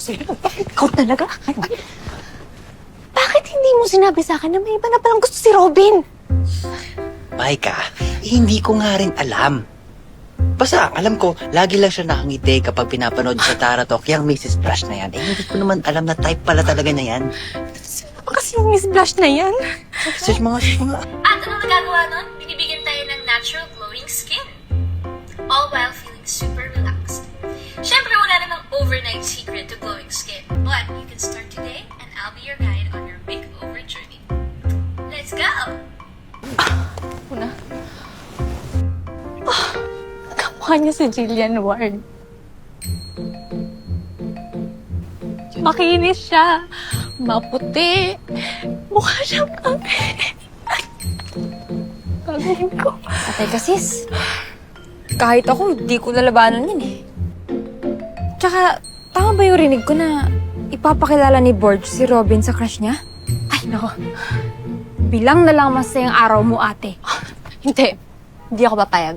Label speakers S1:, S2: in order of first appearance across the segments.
S1: sa'yo. Ikaw talaga? Bakit hindi mo sinabi sa akin na may iba na palang gusto si Robin?
S2: Maika, hindi ko nga rin alam. Basta, alam ko, lagi lang siya nakangiti kapag pinapanood sa Tara Talk, yung Mrs. Blush na yan. Hindi ko naman alam na type pala talaga na yan.
S1: Sino ba kasi yung Miss Blush na yan?
S2: Sus mga.
S3: At anong nagagawa nun? Binibigyan tayo ng natural glowing skin. All while feeling super relaxed. Siyempre, wala namang overnight secret to glowing skin. But you can start today and I'll be your guide on your makeover journey. Let's go!
S1: Una. Kamukha niya si Jillian Ward. Makinis siya. Maputi. Mukha siyang kami. Gagawin ko.
S4: Atay ka, sis. Kahit ako, di ko nalabanan yun eh. Tsaka, tama ba yung rinig ko na ipapakilala ni Borge si Robin sa crush niya?
S1: Ay, nako.
S4: Bilang na lang masayang araw mo, ate.
S1: Hindi. Hindi ako papayag.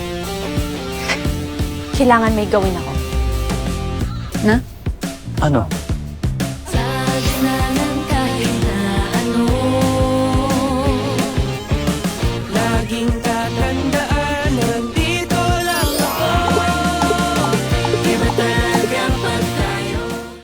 S1: Kailangan may gawin ako.
S4: Na?
S2: Ano?